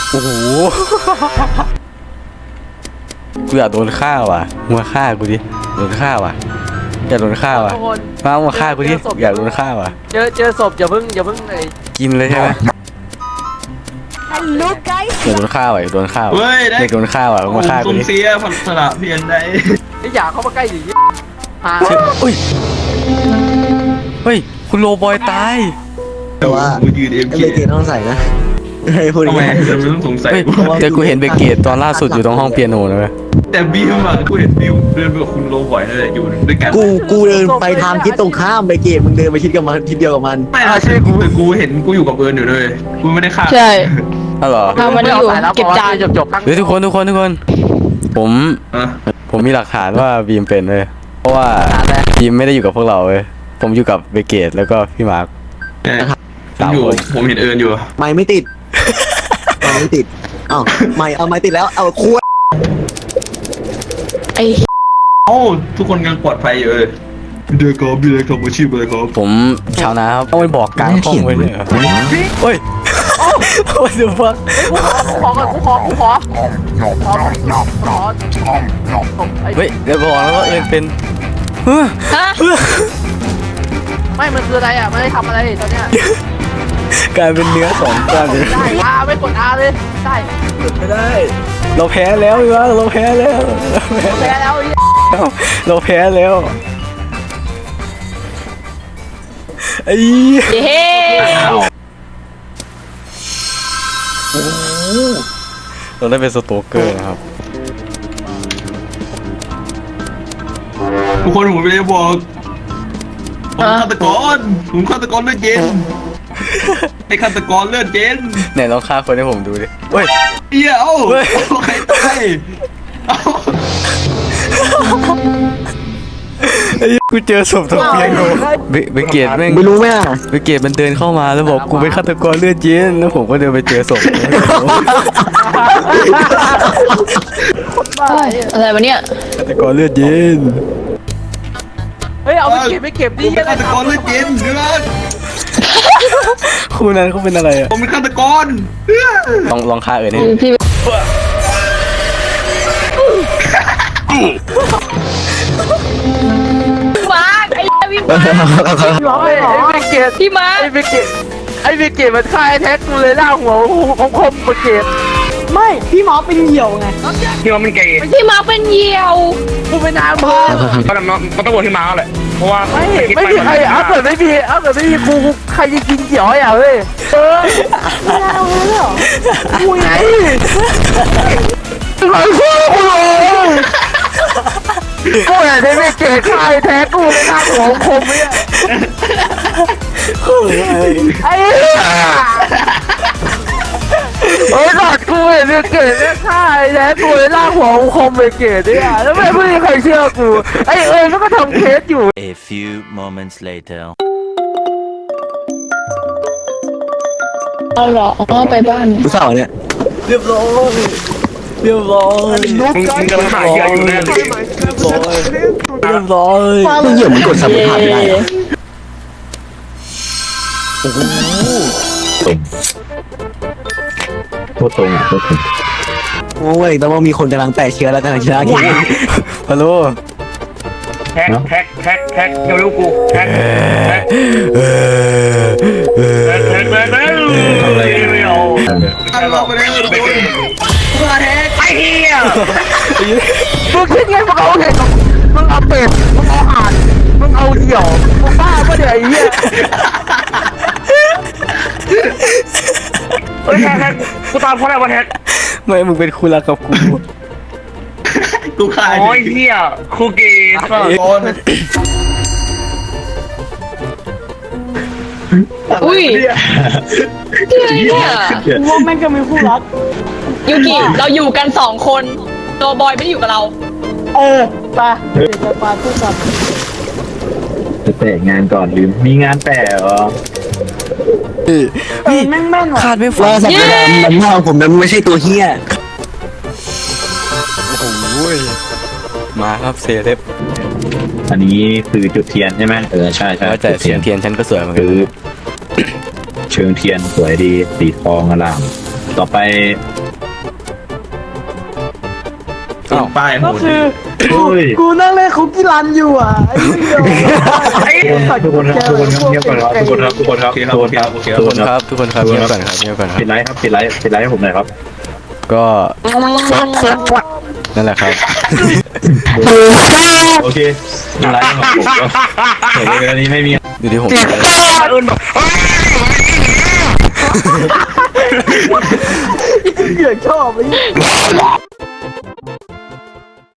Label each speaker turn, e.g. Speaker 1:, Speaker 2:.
Speaker 1: โอ้โหกูอยากโดนฆ่าว่ะมาฆ่ากูดิโดนฆ่าว่ะอยากโดนฆ่าว่ะมาฆ่ากูดิอยากโดนฆ่าว่ะ
Speaker 2: เจอศพอย่าเพิ่ง
Speaker 1: กินเลยใช่ไหม
Speaker 3: Hello guys
Speaker 1: อยากโดนฆ่าว่ะอยากโดนฆ่าว่ะ
Speaker 4: เฮ้ยได้
Speaker 1: อยากโดนฆ่าว่ะมาฆ่ากู
Speaker 4: สุ่ม
Speaker 1: ดิ
Speaker 4: เสียผันสละเพียนได้
Speaker 2: ไอ้อย่าเข้ามาใกล้ดิหา
Speaker 1: อุ้ยเฮ้ยคุณโรบอยตาย
Speaker 5: แต่ว่า
Speaker 4: กูยืนเอ็ม
Speaker 5: เบ
Speaker 4: เค
Speaker 5: เกตต้องใส่นะให้พูด
Speaker 4: ทำไม
Speaker 5: ง่าย
Speaker 4: เราไม่ต้องสงสัย
Speaker 1: เฮ้ยแต่กูเห็นเบเกตตอนล่าสุดอยู่ตรงห้องเปียโนนะเว้ย
Speaker 4: แต่บิวอะกูเห็นบิวเดินไปกับคุณโรบ่อยนั่นแหละอยู่ด้วยกัน
Speaker 5: กูเดินไปทางทิศตรงข้ามเบเกตมึงเดินไปทิศกับมันทิศเดียวกับมัน
Speaker 4: ไม่ใช่กูเห็นกูอยู่กับเอิญอยู่เลยกูไม่ได้ฆ่า
Speaker 6: ใช่
Speaker 1: อ้าวเหรอ
Speaker 6: ทำมันอยู่เก็บจาน
Speaker 2: จบ
Speaker 1: เฮ้ยทุกคนผม
Speaker 4: อะ
Speaker 1: ผมมีหลักฐานว่าบีมเป็นเลยเพราะว่าบีมไม่ได้อยู่กับพวกเราเว้ยผมอยู่กับเบเกตแล้วก็พี่มาร์ค
Speaker 4: ผมอยู่ผมเห็นเอิญอยู่
Speaker 5: ไม่ไม่ติดไม่ติดอ้าวไม่เอาไม่ติดแล้วเอาขวด
Speaker 6: ไอ้
Speaker 4: เอ้าทุกคนกำลังปลอดภัยอยู่เลยเดือดกอบพี่เลยครับอาชีพอะไรครับ
Speaker 1: ผมชาวนาครับต้องไปบอกกลางห้องไว้เลยเหรอเฮ้ยโอ้ยเดี๋ยวฟัง
Speaker 2: กูขอ
Speaker 1: เฮ้ยเดี๋ยวบอกแล้วว่าเอิญเป็น
Speaker 6: ฮะ
Speaker 2: ไม่มันคืออะไรอ่ะมันได้ทำอะไรตอนเนี้ย
Speaker 1: กลายเป็นเนื้อสองกลายเป็น
Speaker 2: ได้ไม่กดอาเลยได้
Speaker 1: ไม่ได้ เราแพ้แล้วพี่ว่าเราแพ้แล้ว
Speaker 2: แพ้แล้ว
Speaker 1: เราแพ้แล้วไอ้
Speaker 6: เฮ้
Speaker 1: เราได้เป็นสโตเกอร์นะครับ
Speaker 4: ทุกคนผมไม่ได้บอกผมฆาตกรผมฆาตกรเลือดเย็นไอ้ฆาตกรเลือดเย็น
Speaker 1: ไหนลองฆ่าคนให้ผมดูดิเฮ้ย
Speaker 4: เดี๋ยว
Speaker 1: เฮ้ย
Speaker 4: ใครตายเอ้า
Speaker 1: ไอ้กูเจอศพทเปียโนเบเกตแม่ง
Speaker 5: ไม่รู้ไหมอ่ะ
Speaker 1: เบเกตมันเดินเข้ามาแล้วบอกกูเป็นฆาตกรเลือดเย็นแล้วผมก็เดินไปเจอศพ
Speaker 6: อะไรวะเนี่ย
Speaker 1: ฆาตกรเลือดเย็น
Speaker 2: เฮ้ยเอาไปเก็บ
Speaker 4: ผ
Speaker 2: ดิ
Speaker 4: มเป็นฆาตกรเลือดเย็นเดือด
Speaker 1: คู่นั้นเขาเป็นอะไรอ่ะ
Speaker 4: ผมเป็นฆาตกร
Speaker 1: ลองฆ่าเอิญให้
Speaker 6: พี่ มาร์คไอ้พี่มาร์ค
Speaker 2: ร้องเลยไอ้เกต
Speaker 6: พี่มาร์ค
Speaker 2: ไอ้เกตมันฆ่าไอ้แท็กกูเลยล่าหัวของคมเบเกต
Speaker 3: ไม่พี่หมอเป็นเหยี่ยวไง
Speaker 7: ที่ว่ามันเกย์
Speaker 6: พี่มาร์คเป็นเหยี่ยว
Speaker 2: กูเป็นนางเพิ่ม
Speaker 7: มันต้องโหวตที่มาแหละเพราะว่า
Speaker 2: ไม่มีใครเอาเกิดไม่มีกูใครจะกินเขียวอ่ะเฮ้ย
Speaker 3: ไม่น่าเอาเลยเหรอ
Speaker 2: กูไงไอ้พวกกูเลยกูอยากได้ไม่เกตฆ่าไอ้แท็กกูเลยล่าหัวของคมเนี่ยไอ้เฮ้ยหลอดกูเห็นเกตเนี่ยฆ่าไอ้แท็กกูเลยล่าหัวของคมไปเกตเนี่ยแล้วไม่มีใครเชื่อกูไอ้มันก็ทำเคสอยู่
Speaker 8: A few moments later.
Speaker 6: เอาเหรออ๋อไปบ้าน
Speaker 5: กูเศร้าเนี่ย
Speaker 1: เรียบร้อย
Speaker 7: มึงกำลังหาเหยื่ออยู่แน่เลย
Speaker 1: เรียบร้อย
Speaker 5: มึงเหยี่ยวมึงกดสัมผัสไม่ได้เหรอ
Speaker 7: โคตรตรง
Speaker 5: โอ้ยแต่ว่ามีคนกำลังแปะเชื้อแล้วกำลังชนะเกม
Speaker 1: ฮัลโหล
Speaker 7: แท็กเร็วกูแท็กแท็กไม่เอา
Speaker 4: ตั้งเราไปเลยทุกคน
Speaker 7: ไอ้เหี้ย
Speaker 2: มึงคิดไงมึงเอาเห็ดมึงเอาเป็ดมึงเอาห่านมึงเอาเหี่ยวมึงบ้าปะเนี่ยไอ้เหี้ย
Speaker 7: เฮ้ยแท็กกูตามเพราะอะไรวะแท็ก
Speaker 1: ไม่มึงเป็นคู่รักกับกู
Speaker 4: กูฆ่า
Speaker 7: โอ้ยเหี้ยคูเกย์
Speaker 4: ฆาตกร
Speaker 6: อุ้ยที่อะไรเนี่ย
Speaker 3: กูว่าแม่งจะมีคู่รัก
Speaker 6: ยูกิเราอยู่กัน2 คนตัวบอยไม่ได้อยู่กับเรา
Speaker 3: ไปเดี๋ยวจะปาคู่กัน
Speaker 7: จะแต่งานก่อนลืมมีงานแต่เหรอ
Speaker 1: นี่
Speaker 3: แม่งแม่นว่ะ
Speaker 1: ขาดไม่ฟั
Speaker 5: ว่าง สัตว์ดำมันหน้าของผมนั้นไม่ใช่ตัวเฮี้ย
Speaker 1: โอ้โหมาครับเซเลบ
Speaker 7: อันนี้คือจุดเทียนใช่ไหมใช่
Speaker 1: ว่าแต่เสียงเทียนฉันก็สวยเหมือนกัน
Speaker 7: คือเชิงเทียนสวยดีสีทองอลามต่อไป
Speaker 4: นป้ายโห
Speaker 3: ก็
Speaker 4: ด
Speaker 3: คือ
Speaker 7: เฮ้ย
Speaker 3: กูนั่งเล่นคุกกี้รันอยู่อ่ะไอ้เหี้ย
Speaker 7: ทุกคนครับทุกคนครับเงียบก่อนครับทุกคนครับทุกคนครับ
Speaker 4: โอเคค
Speaker 7: ทุ
Speaker 4: รับ
Speaker 7: ก
Speaker 4: โอ
Speaker 7: คน
Speaker 4: เค
Speaker 7: ครับ
Speaker 4: โอเค
Speaker 1: ทุกคนครับทุกคนครับเงียบก่อนครับเงียบก่อนครั
Speaker 7: ปิ
Speaker 1: บ
Speaker 7: ดไลฟ์ครับปิดไลฟ์ให้ผมหน่อยครับ
Speaker 1: ก็นั่นแหละครับ
Speaker 7: โอเคปิดไลฟ์ของผมก็เดี๋ยวนี้ไม่มี
Speaker 1: อยู่ที่ผม
Speaker 3: เหยื่อชอบไอ้